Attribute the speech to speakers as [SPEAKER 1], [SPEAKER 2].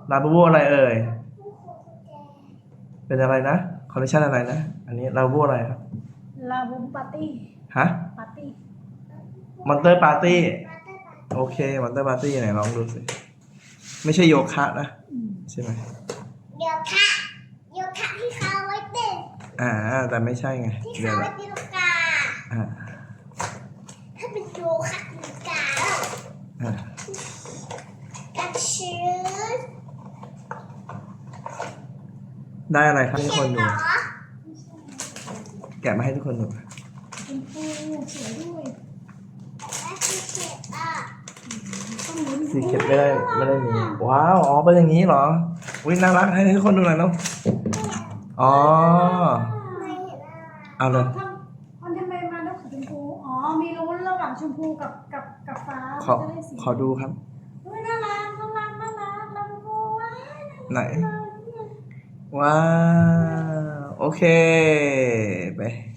[SPEAKER 1] ลาบูบูอะไรเอ่ยเป็นอะไรนะคอลเลคชันอะไรนะอันนี้ลาบูบูอะไรครับ
[SPEAKER 2] ลาบูปาร์ตี้
[SPEAKER 1] ฮะ
[SPEAKER 2] ปาร์ตี้
[SPEAKER 1] มอนเตอร์ปาร์ตี้โอเคมอนเตอร์ปาร์ตี้ไหนลองดูสิไม่ใช่โยคะนะใช่ไหม
[SPEAKER 3] โยคะที่เขาไว้เต้น
[SPEAKER 1] แต่ไม่ใช่ไง
[SPEAKER 3] ที่เขาไว้ตีลังกาถ้าเป็นโยคะตีลังกาแล้วกันชื้น
[SPEAKER 1] ได้อะไรครับทุกคนดู
[SPEAKER 3] เหรอ
[SPEAKER 1] แกะมาให้ทุกคนดู
[SPEAKER 2] เป็นฟูสวยด้วย
[SPEAKER 3] และที่เก็บ
[SPEAKER 2] ต้องลุ้น
[SPEAKER 1] สีเข็ดไม่ได้มีว้าวอ๋อเป็นอย่างนี้เหรออุ้ยน่ารักให้ทุกคนดูหน่อยเนาะอ๋อ
[SPEAKER 3] ไม่เห็นอะไร
[SPEAKER 1] เอาเลย
[SPEAKER 2] มันทำไมมาด้วยสีชมพูอ๋อมีลุ้นระหว่างชมพูกับฟ้า
[SPEAKER 1] ขอ
[SPEAKER 2] จะได้สี
[SPEAKER 1] ขอดูครับ
[SPEAKER 2] เฮ้ยน่ารักลาบูบูว้าย
[SPEAKER 1] ไหน ว้าว โอเค ไป